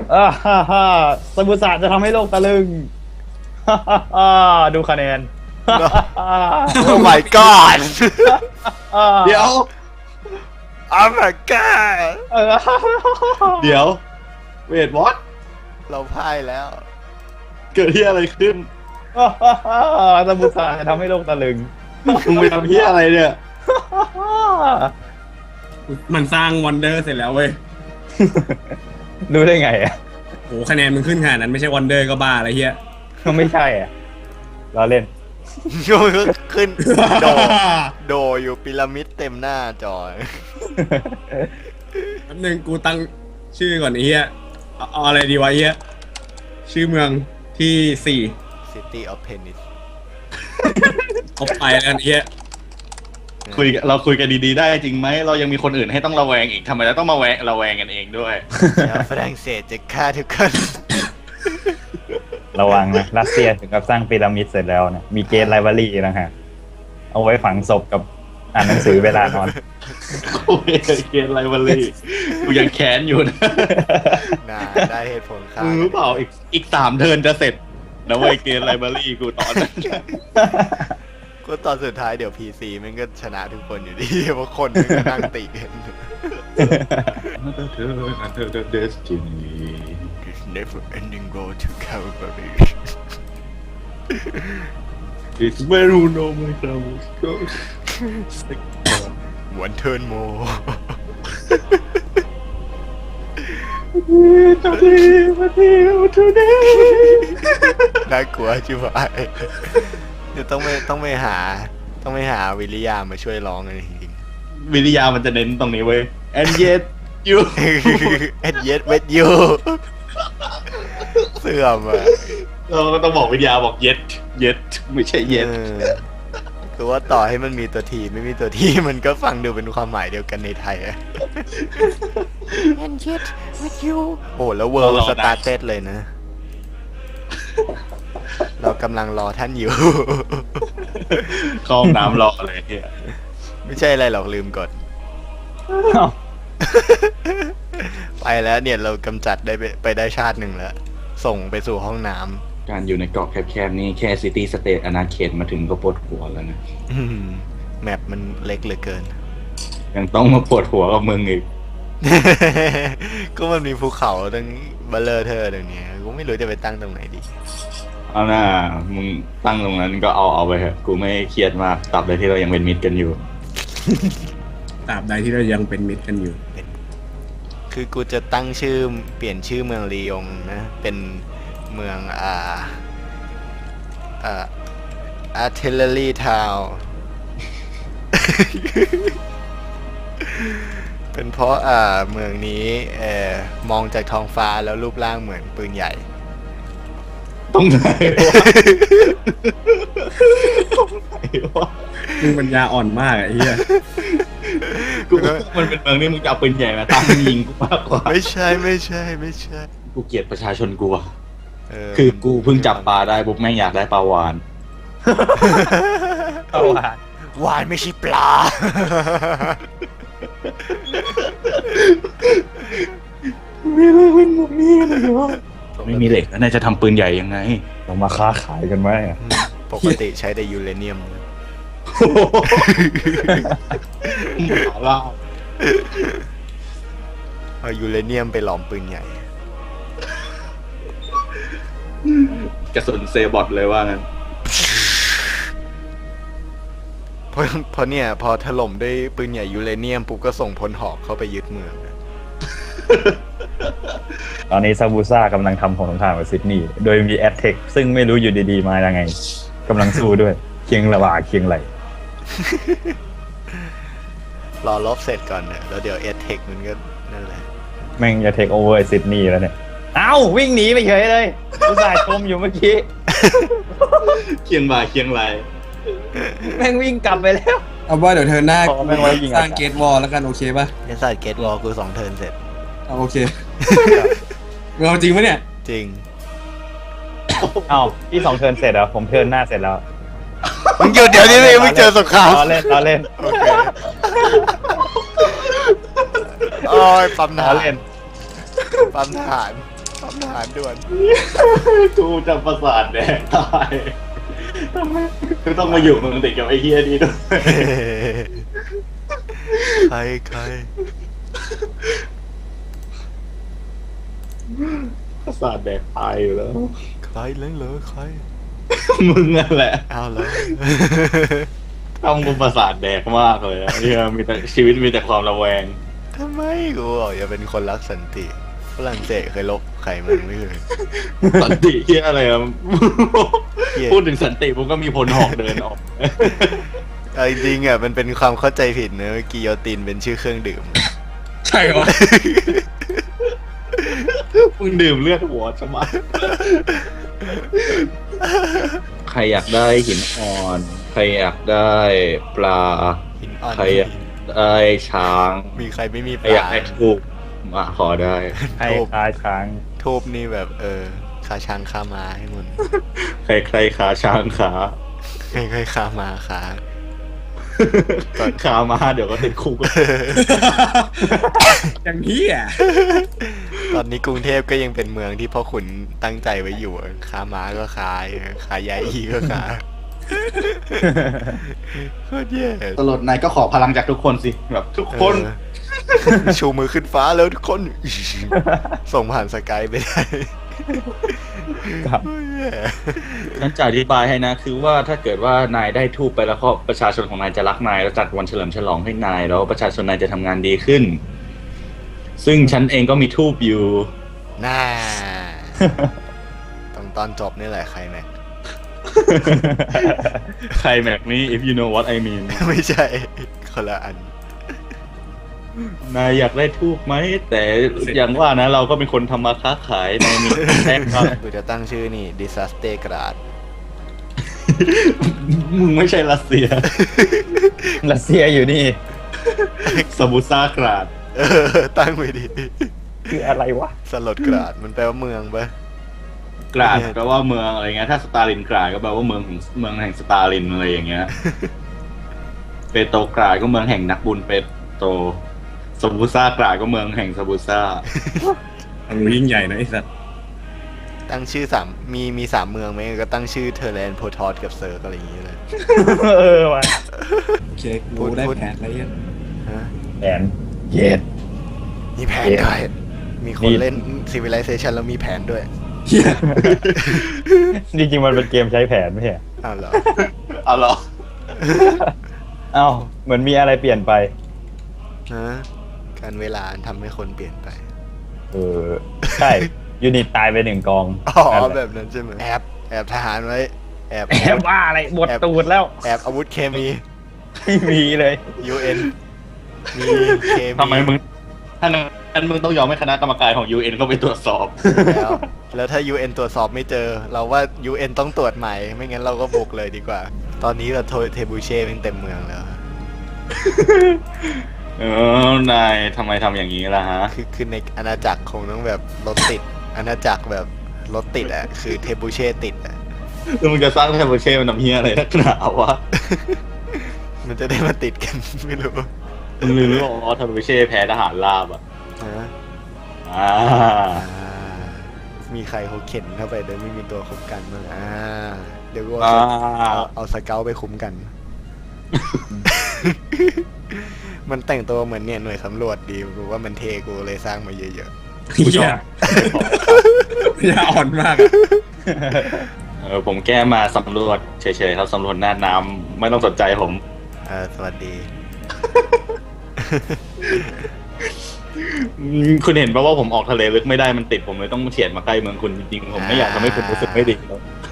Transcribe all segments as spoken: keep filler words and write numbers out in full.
อ่าฮ่าฮ่าสมุทรศาสตร์จะทำให้โลกตะลึงฮ่าฮ่าฮ่าดูคะแนนฮ่าฮ่าฮ่าโอ้ my god อ่าเดี๋ยว oh my god เออเดี๋ยวเวทวอตเราพ่ายแล้วเกิดที่อะไรขึ้นฮ่าฮ่าฮ่าสมุทรศาสตร์จะทำให้โลกตะลึงมึงไปทำที่อะไรเนี่ยฮ่าฮ่ามันสร้างวันเดอร์เสร็จแล้วเว้ยรู้ได้ไงอ่ะโหคะแนนมันขึ้นขนาดนั้นไม่ใช่วันเดอร์ก็บ้าอะไรเฮียก็ไม่ใช่อ่ะเราเล่นขึ้นโดโดอยู่พีระมิดเต็มหน้าจอแป๊บนึงกูตั้งชื่อก่อนไอ้เฮียเอาเอาอะไรดีวะไอ้เฮียชื่อเมืองที่สี่ City of Penis เอาไปแล้วกันไอ้เฮียคุยเราคุยกันดีๆได้จริงไหมเรายังมีคนอื่นให้ต้องระแวงอีกทำไมเราต้องมาแวงระแวงกันเองด้วยชาวฝรั่งเศสจะฆ่าทุกคนระวังนะรัสเซียถึงกับสร้างพีระมิดเสร็จแล้วนะมีเกตไลบรารีนะฮะเอาไว้ฝังศพกับอ่านหนังสือเวลานอนโอ้ยเกณฑ์ไรวะลี่กูยังแค้นอยู่นะน่าได้เหตุผลฆ่ามึงรู้เปล่าอีกอีกสามเทิร์นจะเสร็จนะเว้ยเกณฑ์ไรบรารีกูตอนนั้นก็ตอนสุดท้ายเดี๋ยว พี ซี มันก็ชนะทุกคนอยู่ดี เพราะคนมันก็นั่งติกัน Another turn, another destiny. It's never ending road to Calvary It's where you know my troubles go. One turn more Today. น่ากลัวชิบหายเดี๋ยวต้องไปต้องไปหา ต้องไปหาวิริยามาช่วยร้องกันจริงวิทยามันจะเน้นตรงนี้เว้ย and yet you ๆ And yet with you เสื่อมอ่ะเราก็ต้องบอกวิทยาบอก yet yet ไม่ใช่ yet เออคือว่าต่อให้มันมีตัวทีไม่มีตัวทีมันก็ฟังดูเป็นความหมายเดียวกันในไทยอะ And yet with you โอ้แล้วเวิร์ลสตาร์เต็ดเลยนะ เรากำลังรอท่านอยู่เข้าห้องน้ำรอเลยเฮียไม่ใช่อะไรหรอกลืมกด ไปแล้วเนี่ยเรากำจัดได้ไปไปได้ชาติหนึ่งแล้ว ส่งไปสู่ห้องน้ำการอยู่ในเกาะแคบๆนี้แค่ซิตี้สเตทอนาเขตมาถึงก็ปวดหัวแล้วนะอืมแมปมันเล็กเหลือเกินยังต้องมาปวดหัวกับมึงอีกก็มันมีภูเขาตั้งเบลเลอร์เธอเดี๋ยวนี้กูไม่รู้จะไปตั้งตรงไหนดีเอาหน้ามึงตั้งตรงนั้นก็เอาเอาไปเถอะกูไม่เครียดมากตราบใดที่เรายังเป็นมิตรกันอยู่ตราบใดที่เรายังเป็นมิตรกันอยู่คือกูจะตั้งชื่อเปลี่ยนชื่อเมืองลียงนะ เป็นเมืองอ่าอ่า artillery town เป็นเพราะอ่าเมืองนี้เอ่อมองจากท้องฟ้าแล้วรูปร่างเหมือนปืนใหญ่ตรงไหนวะ ตรงไหนวะมึงปัญญาอ่อนมากอะไอ้เฮียกูมันเป็นเมืองนี่มึงจะเอาปืนใหญ่มาตั้งยิงกูมากกว่าไม่ใช่ไม่ใช่ไม่ใช่กูเกลียดประชาชนกูอะเออคือกูเพิ่งจับปลาได้ปุ๊บแม่งอยากได้ปลาวานเอาว่ะวานไม่ใช่ปลามีเรื่องเป็นแบบนี้เลยเหรอไม่มีเหล็กแล้วนายจะทำปืนใหญ่ยังไงเรามาค้าขายกันไหมอะปกติใช้แต่ยูเรเนียมหมาล่าเอายูเรเนียมไปหลอมปืนใหญ่กระสุนเซบอทเลยว่างั้นเพราะเพราะเนี่ยพอถล่มด้วยปืนใหญ่ยูเรเนียมปุ๊บก็ส่งพลหอกเข้าไปยึดเมืองตอนนี้ซาบูซ่ากำลังทำของสงครามกับซิดนีย์โดยมีแอตเทคซึ่งไม่รู้อยู่ดีๆมายังไงกำลังสู้ด้วยเคียงระหว่างเคียงไหลรอลบเสร็จก่อนเนี่ยแล้วเดี๋ยวเอทเทคมันก็นั่นแหละแม่งจะเทคโอเวอร์ซิดนีย์แล้วเนี่ยเอ้าวิ่งหนีไปเฉยเลยอุตส่าห์ชมอยู่เมื่อกี้เคียงบ่าเคียงไหลแม่งวิ่งกลับไปแล้วเอาว่าเดี๋ยวเธอหน้าพอแม่งไว้ยิงสร้างอากาศเกตวอลแล้วกันโอเคป่ะเอสไซเกตวอลกูสองเทิร์นเสร็จเอาโอเค เราจริงปะเนี่ยจริงเอ้าพี่สองเทิร์นเสร็จแล้วผมเทิร์นหน้าเสร็จแล้วมึงหยุดเดี๋ยวนี้เลยมึงเจอสงครามล้อเล่นล้อเล่นโอเคโอ้ยปั๊มทล้อหารเล่นปั๊มทหารทำทหารด่วนกูจะประสาทแดกตายทำไมกูต้องมาอยู่เมืองติดกับไอ้เฮียนี่ด้วยใครใครประสาทแดกตายอยู่แล้วใครเล่นเหรอใครมึงนั่นแหละเอาเหรอต้องกูประสาทแดกมากเลยอะเนี่ยมีแต่ชีวิตมีแต่ความระแวงทำไมกูบอกอย่าเป็นคนรักสันติฝรั่งเศสเคยลบใครมันไม่เคยสันติเฮียอะไรอะเหี้ยพูดถึงสันติผมก็มีพลหอกเดินออกเอาจริงๆอ่ะมันเป็นความเข้าใจผิดนะกิโยตินเป็นชื่อเครื่องดื่มใช่เหรอมึงดื่มเลือดหัวใช่ไหมใครอยากได้หินอ่อน ใครอยากได้ปลาหินอ่อนใครอยากได้ช้างมีใครไม่มีใคปรอยาลากได้ทูบมาขอได้ให้คาช้างทูบนี่แบบเออคาช้างคามาให้มันใครใครขาช้างขาใครๆคามาขาขามาเดี๋ยวก็ติดคุกอย่างนี้อ่ะตอนนี้กรุงเทพก็ยังเป็นเมืองที่พ่อขุนตั้งใจไว้อยู่อะคามาก็ขายขายายอีก็ขายโคตรแย่ตลดนายก็ขอพลังจากทุกคนสิแบบทุกคนเออชูมือขึ้นฟ้าแล้วทุกคน ส่งผ่านสกายไปได้ครับโคตรแย่ฉันจะอธิบายให้นะ คือว่าถ้าเกิดว่านายได้ทูบไปแล้วก็ประชาชนของนายจะรักนายแล้วจัดวันเฉลิมฉลองให้นายแล้วประชาชนนายจะทำงานดีขึ้น ซึ่งฉันเองก็มีทูบอยู่น่าตรงตอนจบนี่แหละใครแม็กใครแม็กนี้ if you know what I mean ไม่ใช่คนละอันนายอยากได้ทูบไหม แต่อย่างว่านะ เราก็เป็นคนทำมาค้าขายนายมีแท็กครับกูจะตั้งชื่อนี่ disaster grad มึงไม่ใช่รัสเซียรัสเซียอยู่นี่สบูซ่ากราดเออตั้งไปดิคืออะไรวะสลดกราดมันแปลว่าเมืองปะกราดแปลว่าเมืองอะไรเงี้ยถ้าสตาลินกราดก็แปลว่าเมืองของเมืองแห่งสตาลินอะไรอย่างเงี้ย เปโตรกราดก็เมืองแห่งนักบุญเปโตรสบูซ่ากราดก็เมืองแห่งสบูซ่ามันยิ่งใหญ่นะไอ้สัตว์ตั้งชื่อสามมีมีสามเมืองไหมก็ตั้งชื่อเทอร์แลนด์โพทอสกับเซิร์กอะไรอย่างเงี้ยเลยเออว่ะเช็คกูได้แผนแล้วเนี่ยฮะแผนเย็ดมีแผนเย้ด้วยมีคนมีเล่น Civilization แล้วมีแผนด้วยเหี้ยจริงๆมันเป็นเกมใช้แผนไม่ใช่เหรออ้าวเหรอเอาเหรอเอ้าเหมือนมีอะไรเปลี่ยนไปฮะการเวลาทำให้คนเปลี่ยนไปเออ ใช่ ยูนิตตายไปหนึ่งกองอ๋อนั่นแหแบละบนั้นใช่ไหมแอบ แอบทหารไว้ แอบแอบว่าอะไรบทตูดแล้วแอบอาวุธเคมีไม่มีเลยยู เอ็น มีเคมีทำไมมึงถ้านั้นมึงต้องยอมให้คณะกรรมการของ ยู เอ็น เข้าไปตรวจสอบแล้ว แล้วถ้า ยู เอ็น ตรวจสอบไม่เจอ เราว่า ยู เอ็น ต้องตรวจใหม่ ไม่งั้นเราก็บุกเลยดีกว่า ตอนนี้เราโทเทบูเช่เป็นเต็มเมืองแล้วเออนายทำไมทำอย่างนี้ล่ะฮะคือคือในอาณาจักรคงต้องแบบรถติด อาณาจักรแบบรถติดอ่ะ คือเทบูเช่ติดอ่ะแล้วมึงจะสร้างเทเบิลเช่มันทำเฮียอะไรนักหนาวะมันจะได้มาติดกัน ไม่รู้มึงลืมหรือเปล่าว่าเทเบิลเช่แพ้ทหารราบอ่ะฮะอ่าอ่ามีใครเขาเข็นเข้าไปโดยไม่มีตัวคุ้มกันบ้างอ่าเดี๋ยวกูอ่าเอาเอาเอาสเกลไปคุ้มกัน มันแต่งตัวเหมือนเนี่ยหน่วยสำรวจดีกูว่ามันเทกูเลยสร้างมาเยอะกูชเหี้อย บอย่าอ่อนมากอะเออผมแก้มาสำรวจเฉยๆครับสำรวจหน้าน้ำไม่ต้องสนใจผมๆเออสวัสดีอืมคุณเห็นป่ะว่าผมออกทะเลลึกไม่ได้มันติดผมเลยต้องเฉียดมาใกล้เมืองคุณจริงๆผมไม่อยากทำให้คุณรู้สึกไม่ดีแล้ว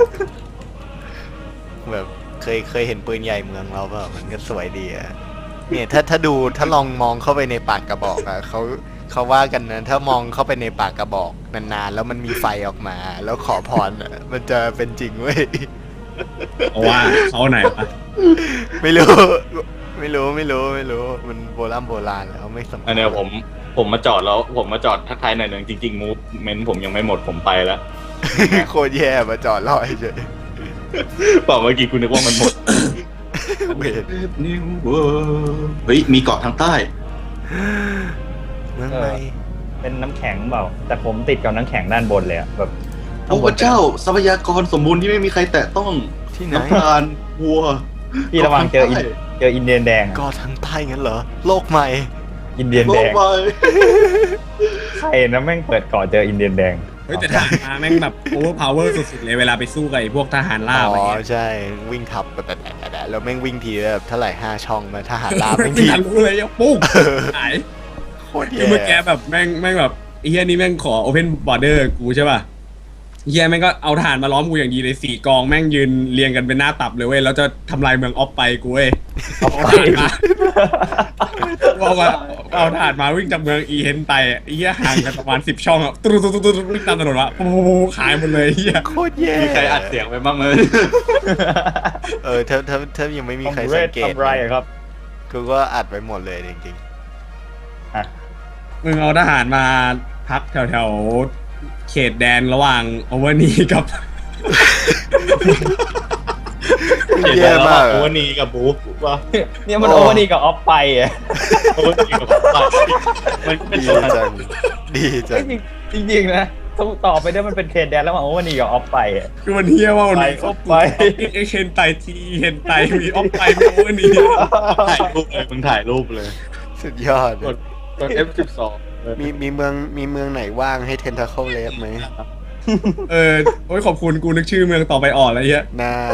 แบบเคยเคยเห็นปืนใหญ่เมืองเราเปล่ามันก็สวยดีอะเนี่ยถ้าถ้าดูถ้าลองมองเข้าไปในปากกระบอกอะเขาเขาว่ากันนะถ้ามองเข้าไปในปากกระบอกนานๆแล้วมันมีไฟออกมา แล้วขอพรอะมันจะเป็นจริงเว้ยเอาว่าเขาไหนวะไม่รู้ ไม่รู้ไม่รู้ไม่รู้มันโบราณโบราณแล้วไม่สำคัญอันเนี้ยผมผมมาจอดแล้วผมมาจอดทักทายหน่อยหนึ่งจริงๆมูฟเมนต์ผมยังไม่หมดผมไปแล้วโคตรแย่มาจอดรอเฉยเปล่าเมื่อกี้คุณนึกว่ามันหมดเวทเฮ้ยมีเกาะทางใต้เมืองไหนเป็นน้ำแข็งเปล่าแต่ผมติดกับน้ำแข็งด้านบนเลยอะแบบโอ้พระเจ้าทรัพยากรสมบูรณ์ที่ไม่มีใครแตะต้องที่ไหนน้ำตาลวัวพี่ระวังเจออินเจออินเดียนแดงอะก็ทางใต้งั้นเหรอ โลกใหม่อินเดียนโลแดกงใบใครนะแม่งเปิดก่อนเจออินเดียนแดงเฮ้ยแต่ทหารมาแม่งแบบโอเวอร์พาวเวอร์สุดๆเลยเวลาไปสู้กับไอ้พวกทหารล่าอ๋อะไรอเงี้ยใช่วิ่งทับแบบๆๆแล้วแม่งวิ่งทีแบบเท่าไหร่ห้าช่องมาทหารลาบไม่แม่งทีทันรู้เลยยังปุ๊บหายโคตรคือเมื่อกี้แย่แบบแม่งแม่งแบบไอ้เฮียนี่แม่งขอโอเพนบอร์เดอร์กูใช่ป่ะเฮียแม่งก็เอาทหารมาล้อมกูอย่างดีเลยสี่กองแม่งยืนเรียงกันเป็นหน้าตับเลยเว้ยแล้วจะทำลายเมืองออฟไปกูเว้ยเอาไปเอามาเอาทหารมาวิ่งจากเมืองอีเฮนไตอ่ะไอ้เฮียห่างกันประมาณสิบช่องอ่ะตุ๊ดตุ๊ดตุ๊ดตุ๊ดวิ่งตามถนนวะปูขายหมดเลยเฮียโคตรแย่มีใครอัดเสียงไปบ้างไหมเออถ้าถ้าถ้ายังไม่มีใครทำเรสัศงเกตทำไรอะครับกูก็อัดไว้หมดเลยจริงอ่ะมึงเอาทหารมาพักแถวแถวๆเขตแดนระหว่างโอเวอร์นีกับๆแย่มากโออะเวอร์นีกับบูว่าเนี่ยมันโอเวอร์ดีกับออฟไปอะโอเวอร์นีกับมันเป็นดีตัวนั้นจังดีจังจริงจริงๆนะต้องต่อไปได้มันเป็นเขตแดนแล้วมันโอเวอร์ดีกับออฟไปอะคือมันเฮียว่ามันไปมีออฟไปเอเคนไตทีเฮนไตมีออฟไปมีโอเวอร์นีถ่ายรูปเลยมึงถ่ายรูปเลยสุดยอดกดกด เอฟ สิบสองมีมีเมืองมีเมืองไหนว่างให้เทนทาเคิลเลฟไหมเออโอ้ยขอบคุณกูนึกชื่อเมืองต่อไปอ่อนแล้วเฮียน่า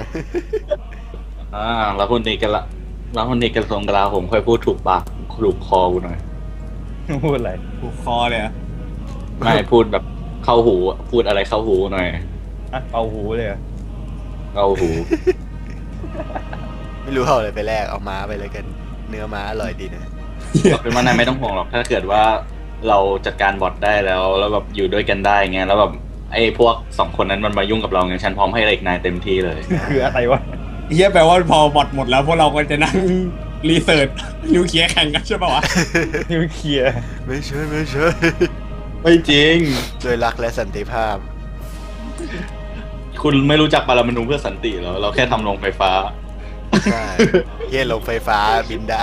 อ่าแล้วคนนี้กันละแล้วคนนี้กันทรงกลาผมค่อยพูดถูกปากถูกคอกูหน่อยพูดอะไรผูกคอเลยอะไม่พูดแบบเข้าหูอะพูดอะไรเข้าหูหน่อยอ่ะเป่าหูเลยเหรอเข้าหูไม่รู้เอาอะไรไปแลกเอาม้าไปเลยกัน เนื้อม้าอร่อยดีนะเป็นว่านายไม่ต้องห่วงหรอกถ้าเกิดว่าเราจัดการบอทได้แล้วแล้วแบบอยู่ด้วยกันได้เงี้ยแล้วแบบไอ้พวกสองคนนั้นมันมายุ่งกับเราเงี้ยฉันพร้อมให้เล็กนายเต็มที่เลยคืออะไรวะเฮียแปลว่าพอบอทหมดแล้วพวกเราก็จะนั่งรีเสิร์ชนิวเคลียร์แข่งกันใช่ป่าวะนิวเคลียร์ไม่ใช่ไม่ใช่ไม่จริงด้วยรักและสันติภาพคุณไม่รู้จักปรมาณูเพื่อสันติเหรอเราแค่ทำโรงไฟฟ้าใช่เฮียลงไฟฟ้าบินได้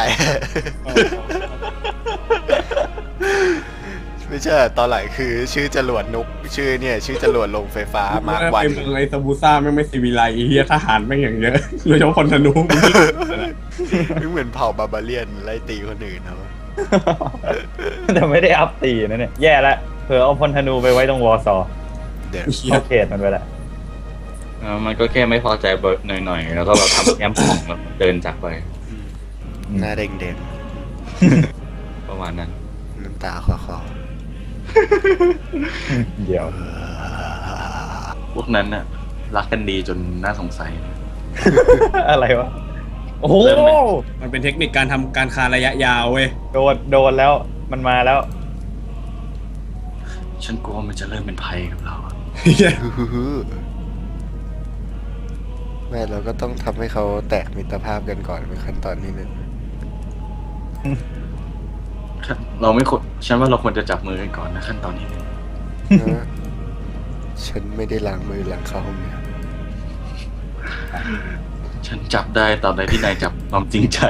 ไม่ใช่ตอนหลังคือชื่อจรวดนุกชื่อเนี่ย ชื่อจรวดลงไฟฟ้ามาร์ควันไอ้เมืองไอ้ซาบูซ่าแม่งไม่ซีวิไลเฮียทหารแม่งอย่างเยอะโดยเฉพาะคนธนูไม่เหมือนเผ่าบาบาเลียนไล่ตีคนอื่นเขาแต่ไม่ได้อัพตีนะเนี่ยแย่ละเผื่อเอาพลธนูไปไว้ตรงวอร์ซอเดี๋ยวเฮียเข้าเขตมันไปละเออมันก็แค่ไม่พอใจเบิร์ดหน่อยๆ แล้วก็แบบทำแย้มของแล้วเดินจากไปหน้าเด้งประมาณนั้นๆน้ำตาคลอเดี๋ยวพวกนั้นน่ะรักกันดีจนน่าสงสัยอะไรวะ โอ้โหเริ่มไหมมันเป็นเทคนิคการทำการค้าระยะยาวเว้ยโดนโดนแล้วมันมาแล้วฉันกลัวมันจะเริ่มเป็นภัยกับเราอะเฮียๆแม่เราก็ต้องทำให้เขาแตกมิตรภาพกันก่อนเป็นขั้นตอนที่หนึ่งเราไม่ควรฉันว่าเราควรจะจับมือกันก่อนนะขั้นตอนนี้นะฉันไม่ได้ล้างมือหลังเข้าห้องน้ฉันจับได้ตอนใดที่นายจับความจริงใจ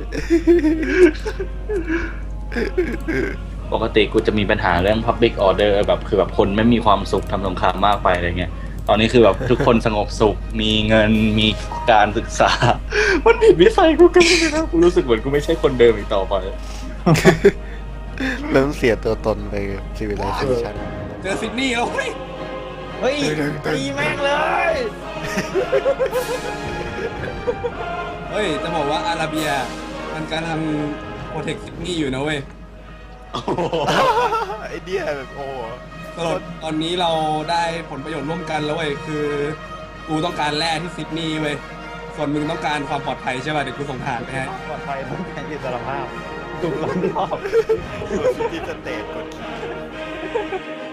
ปกติกูจะมีปัญหาเรื่อง Public Order แบบคือแบบคนไม่มีความสุขทำสงครามมากไปอะไรเงี้ย ตอนนี้คือแบบทุกคนสงบสุข มีเงิน มีการศึกษา มันผิดวิสัยกูกันเลยนะกูรู้สึกเหมือนกูไม่ใช่คนเดิมอีกต่อไปำเริ่มเสียตัวตนไปซีวิไลเซชันเจอซิดนีย์แล้วเฮ้ยเฮ้ยตีแม่งเลยเฮ้ยจะบอกว่าอาราเบียมันกำลังโปรเทคซิดนีย์อยู่นะเว้ยไอเดียแบบโอ้สรุปตอนนี้เราได้ผลประโยชน์ร่วมกันแล้วเว้ยคือกูต้องการแร่ที่ซิดนีย์เว้ยส่วนมึงต้องการความปลอดภัยใช่ป่ะเดี๋ยวกูส่งทหารไปให้ปลอดภัยต้องการอิสรภาพถูกล้อมรอบที่สเตทกดขี่